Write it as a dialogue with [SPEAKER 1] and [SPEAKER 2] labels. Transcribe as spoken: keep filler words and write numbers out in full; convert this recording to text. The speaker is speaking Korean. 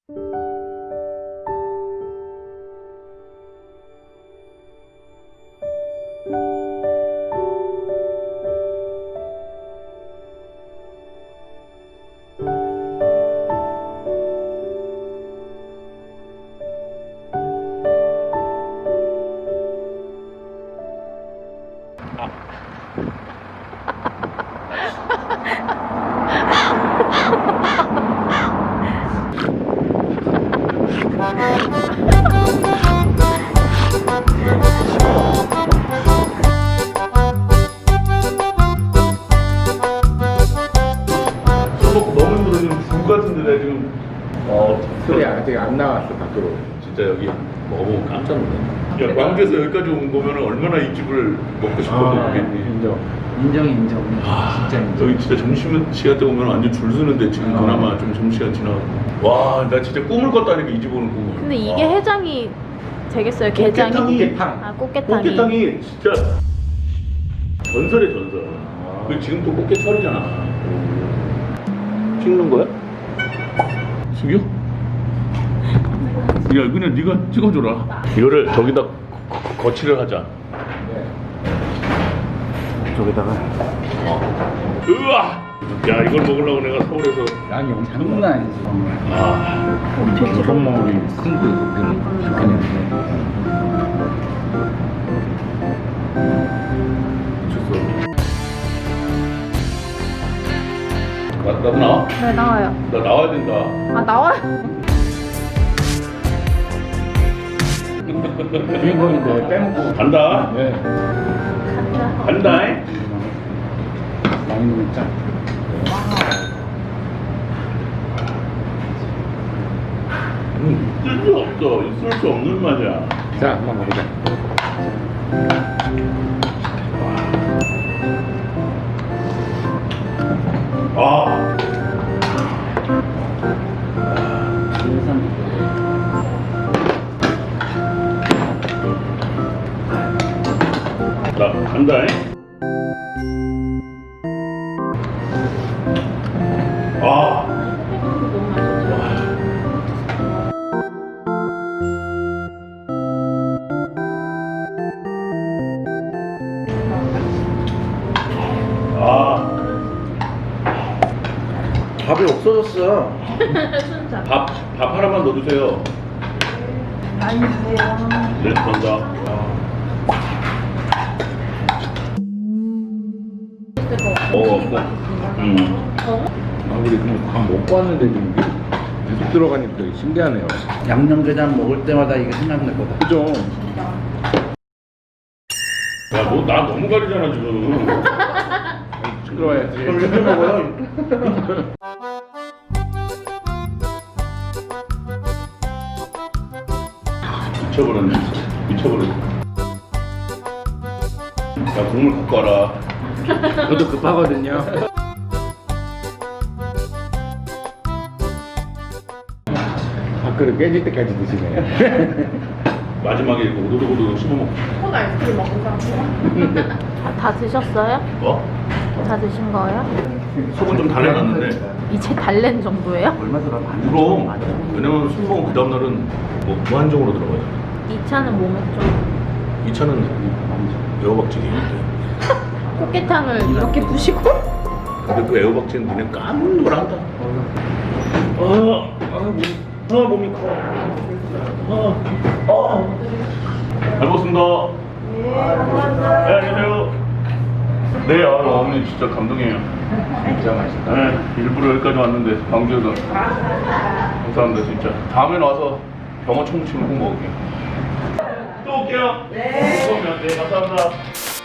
[SPEAKER 1] 너무 힘들어. 지금 죽 같은데 내가 지금. 어,
[SPEAKER 2] 소리 아직 안 나왔어 밖으로.
[SPEAKER 1] 진짜 여기 먹어보면 깜짝 놀랐네. 야, 광주에서 여기까지 온 거면 얼마나 이 집을 먹고 싶어도
[SPEAKER 2] 아,
[SPEAKER 1] 모르겠니.
[SPEAKER 2] 인정.
[SPEAKER 3] 인정 인정.
[SPEAKER 1] 아,
[SPEAKER 3] 진짜 인정.
[SPEAKER 1] 여기 진짜 점심시간 때 오면 완전 줄 서는데 지금
[SPEAKER 2] 아.
[SPEAKER 1] 그나마 좀 점심시간 지나고. 와, 나 진짜 꿈을 꿨다니까 이 집 오는 꿈을.
[SPEAKER 4] 근데 이게
[SPEAKER 1] 와.
[SPEAKER 4] 해장이 되겠어요? 게장이?
[SPEAKER 2] 꽃게탕.
[SPEAKER 4] 아, 꽃게탕이.
[SPEAKER 1] 꽃게탕이 진짜 전설의 전설.
[SPEAKER 2] 아.
[SPEAKER 1] 그 지금 또 꽃게철이잖아. 찍는 거야? 숙여? 야, 그냥 네가 찍어줘라. 이거를 저기다 거- 거- 거치를 하자.
[SPEAKER 2] 저기다가
[SPEAKER 1] 어. 으아! 야, 이걸 먹으려고 내가 서울에서.
[SPEAKER 2] 양이 엄청
[SPEAKER 3] 장난 아니지.
[SPEAKER 1] 아,
[SPEAKER 2] 조선 마을이 큰거 좋겠네.
[SPEAKER 1] 나, 나도 나와?
[SPEAKER 4] 네, 나와요.
[SPEAKER 1] 나 나와야 된다.
[SPEAKER 4] 아, 나와요?
[SPEAKER 2] 주인공인데 빼먹고.
[SPEAKER 1] 간다.
[SPEAKER 2] 네.
[SPEAKER 1] 간다.
[SPEAKER 2] 많이 먹자.
[SPEAKER 1] 음, 있을 수 없어. 있을 수 없는 맛이야.
[SPEAKER 2] 자, 한번 먹자.
[SPEAKER 1] 아. 나 간다. 아. 아.
[SPEAKER 2] 밥이 없어졌어.
[SPEAKER 4] 순자.
[SPEAKER 1] 밥, 밥 하나만 넣어주세요.
[SPEAKER 4] 많이 주세요.
[SPEAKER 1] 네, 감사합니다. 어, 음.
[SPEAKER 2] 아, 우리 그럼 밥 먹고 왔는데 지금 이게 계속 들어가니까 되게 신기하네요.
[SPEAKER 3] 양념게장 먹을 때마다 이게 생각날 거다.
[SPEAKER 2] 그죠?
[SPEAKER 1] 야, 너 나 너무 가리잖아 지금.
[SPEAKER 2] 시끄러워야지.
[SPEAKER 1] 이렇게 먹어요. 미쳐버렸네. 미쳐버렸네. 야, 국물 갖고 와라.
[SPEAKER 2] 저도 급하거든요. 밥그릇 깨질 때까지 드시네.
[SPEAKER 1] 마지막에 이거 오도독오도독 씹어먹고.
[SPEAKER 4] 콘 아이스크림 먹은 사람 다 드셨어요?
[SPEAKER 1] 어?
[SPEAKER 4] 다 드신 거예요?
[SPEAKER 1] 속은 좀 달래놨는데.
[SPEAKER 4] 이제 달랜 정도예요?
[SPEAKER 3] 얼마 들어?
[SPEAKER 1] 그럼. 왜냐면 술 먹으면 그 다음날은 뭐 무한정으로 들어가요.
[SPEAKER 4] 이 차는 뭐 먹죠?
[SPEAKER 1] 이 차는 애호박찌개인데.
[SPEAKER 4] 꽃게탕을 이렇게 부시고?
[SPEAKER 1] 근데 그 애호박찌개는 그냥 까먹는 걸 한다. 아, 아, 몸, 아, 몸이 커. 아, 아. 잘 먹습니다. 네, 감사합니다. 네, 안녕하세요. 네, 아, 어머니 진짜 감동이에요.
[SPEAKER 2] 진짜 맛있다.
[SPEAKER 1] 네, 일부러 여기까지 왔는데, 광주에서. 감사합니다, 진짜. 다음에 와서 병어 청무침을 꼭 먹을게요. 또 올게요. 네. 네, 감사합니다.